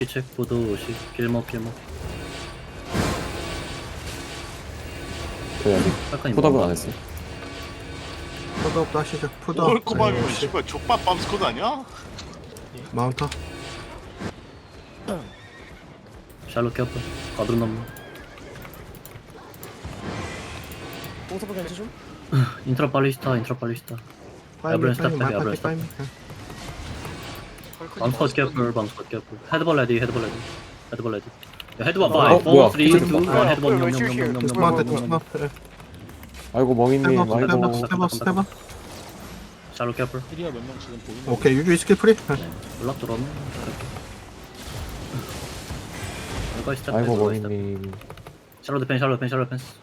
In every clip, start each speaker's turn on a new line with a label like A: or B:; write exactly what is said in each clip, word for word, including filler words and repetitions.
A: 체크보드 오십 길목 길목
B: 그래 아직
A: 약간
B: 포답은 안 했어.
C: 푸드업 하시죠. 푸드업.
D: 뭘 꼬마면
C: 아이고,
D: 씨발 족밥 빰스코드 아니야?
C: 마운터.
A: 샬롯 켰다 가드론 넘는
E: 공사포 견제 좀?
A: 인트라 발리스타 인트라 발리스타
C: 파이미
A: 에브랜
C: 파이미
A: 스탑, 에브랜
C: 마파티
A: 스탑.
C: 파이미.
A: 밤스컷 캐플 밤스컷 캐플 헤드볼 레디 헤드볼 레디 헤드볼 레디 야 헤드볼
B: 어,
A: 파이브
B: 뭐야.
A: 사, 삼, 이, 일 헤드볼
E: 왜
C: 디스마운트
A: 냠냠냠냠냠냠냠냠냠
C: 디스마운트.
B: 아이고 멍이님
C: 스텝업 스텝업
B: 아이고
C: 스텝업 스텝업.
A: 샬롯 캐플
F: 힐이가 몇 명 지금 보이는
C: 오케이 유주 스킬 프리.
A: 연락 들어오네 이거 시작
B: 아이고
A: 이거 시작.
B: 멍이님
A: 샬롯 디펜 샬롯 디펜 샬롯 디펜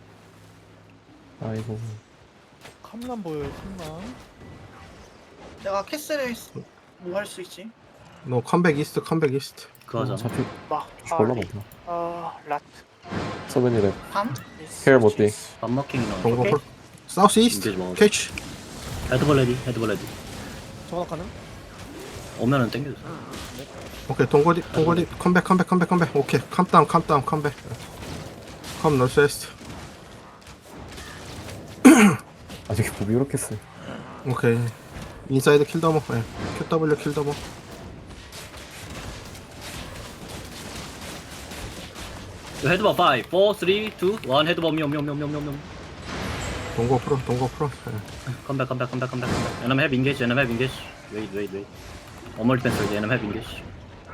B: 아이고
F: 캄란 보여요 캄란.
E: 내가 캐슬에 뭐 할 수 있지?
C: 너 컴백 이스트 컴백 이스트.
A: 그거 하잖아
B: 잡히
E: 막
B: 졸라 많다.
E: 아 라트
B: 서벤이래
E: 밤?
B: 케어 못돼.
A: 밥먹킹이나
C: 동거
E: 오케이.
C: 풀. 사우스 이스트
A: 인게이지 먹어.
C: 캐치.
A: 헤드볼 레디 헤드볼 레디
F: 정확 가능?
A: 오면은 땡겨줘
C: 오케이 동거디 동거디 컴백 컴백 컴백 컴백. 오케이 컴다운 컴다운 컴백. 컴 노스 웨스트.
B: 아직 몸이 이렇게 세.
C: 오케이 인사이드 킬 더머. 네. 큐더블유 킬 더머.
A: 헤드볼 파이브, 사, 삼, 이, 일 헤드볼 묘묘묘묘묘묘
C: 동거 프로 동거 프로. 네.
A: 컴백 컴백 컴백 컴백 컴백 에너미 have engage 에너미 have engage wait wait wait one more defense ready 에너미 have engage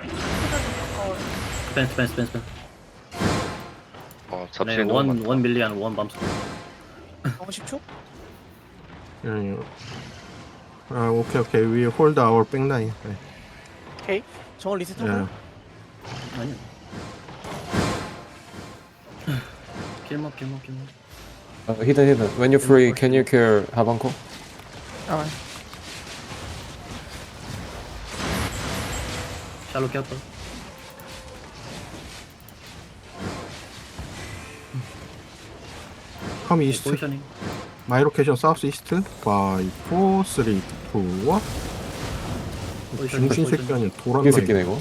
A: defense defense defense defense
G: 어,
A: 네,
G: 잡지에 너무
A: one
G: 많다.
A: one million one bumps
E: 어 십 초?
C: 예, 아 오케이 오케이 we hold our back line. 네.
E: 오케이
F: 네.
E: 정원 리셋하고
C: 예.
A: 아니요 길목 길목 길목
B: 어, hidden hidden when you're free can you care 하방코?
E: 아
A: 샬롯 켰다
C: 컴 이스트.
A: 포지셔닝
C: 마이 로케이션 사우스 이스트. 파이브, 사, 투, 일.
A: 포지셔닝
C: 중신 새끼 아니야
B: 이게
C: 도란다.
B: 새끼네 이거.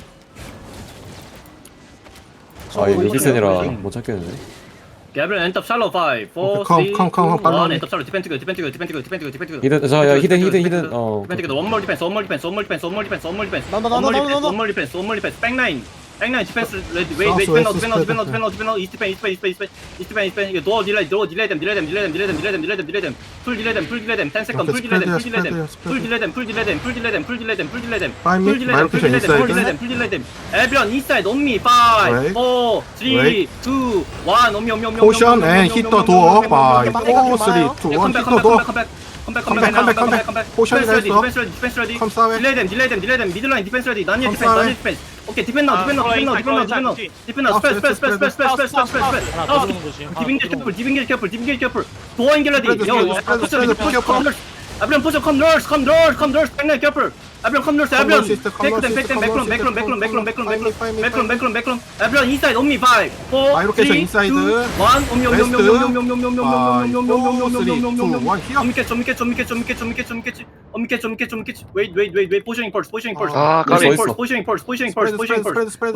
B: 아 이거 리비센이라 못 찾겠는데.
A: 게브리엘 엔터 샬롯 파이브, 사,
C: 오케이,
A: 삼, 이,
C: 컴, 컴, 컴,
A: 일
C: 빨리.
A: 엔터 샬롯 디펜트 그 디펜트 그 디펜트 그 디펜트 그 디펜트 그
B: 히든 저야 히든 히든 히든 어
A: 디펜트 그 one more defense one more defense one more defense one more defense one more defense
F: 나온다,
A: one more
F: 나온다,
A: defense
F: 나온다.
A: one more defense one more defense 백라인 백라인 디펜스 레디 웨이 웨이
C: South
A: 디펜
C: west
A: 디펜 디펜
C: spread.
A: 디펜 디펜 이스트 펜 이스트 펜 이스트 펜 이스트 펜 이스트 펜 이거 도어 딜레이 도어 딜레이 댐 딜레이 댐 딜레이 댐 딜레이 댐 딜레이 댐 딜레이 댐 딜레이 댐 풀 딜레이 댐 풀 딜레이 댐 ten 세컨드 풀 딜레이 댐 풀 딜레이 댐 풀 딜레이 댐 풀 딜레이 댐 풀 딜레이 댐 풀 딜레이 댐 풀 딜레이 댐
C: Five
A: 풀
C: mid,
A: 딜레이 댐 풀 딜레이 댐 풀 딜레이 댐 풀 딜레이 댐 에브리언 인사이드 온 미 파이브,
C: Wait.
A: 사, 삼, 이,
C: Wait.
A: 일 오미 오미 오미
C: 포션 앤 히터 도어. 파이브, 사, 투, 일.
A: 컴백
C: 히터 도어.
A: 컴백 컴백
C: 컴백, 컴백, 컴백, 컴백. 포션이
A: 디펜스 레디
C: 됐어.
A: 디펜스 레디 디펜스 레디
C: 컴 사웨.
A: 딜레이 댐 딜레이 댐 딜레이 댐 미들라인 디펜스 레디 난예
C: 컴
A: 디펜스 난예
C: 사웨.
A: 디펜스 오케이 디펜 나우 디펜 나우 디펜 나우 디펜 나우 디펜 나우 디펜 나우
C: 아,
A: 스페이스 스페이스 스페이스 스페이스 스페이스 스페이스 스페이스 스페이스
F: 하나
A: 아
F: 더 들어오는 거지. 하나
A: 디빙길
F: 더
A: 캐플 디빙길 캐플 디빙길 캐플 도어 인길 레디
C: 스프레드,
A: 요
C: 스프레드, 스프레드, 스프레드,
A: 포션 에브리언 포션 컴 널스 컴 널스 컴 널스 백라인 캐플 에브리언 컴 널스 에브리언
C: 널스 시스템, 컴
A: 테이크 댐
C: 널스
A: 테이크 댐
C: 시스템,
A: 백론
C: 컴
A: 백론
C: 널스
A: 백론 백론 백론 백론
C: 파이브,
A: 백론
C: 파이브,
A: 백론 백론 백론 에브리언 인사이드 온미 파이브, 사,
C: 마이로케이션
A: 삼,
C: 인사이드.
A: 이, 일 오미 오미 오미 오미 오미 오미 오미 오미 오미 오미 오미 오미 오미 오미 오미 오미 좀 믿게 좀 믿게 좀 믿게 좀 믿게 좀 믿게 좀 믿게 좀 믿게 좀 믿게 좀 믿게 wait wait wait wait 포지셔닝 펄스 포지셔닝 펄스
G: 아, 까비.
A: 포지셔닝 펄스 포지셔닝 펄스 포지셔닝 펄스
C: 스프레드
A: 포지셔닝
C: 스프레드
A: 펄스
C: 스프레드 스프레드.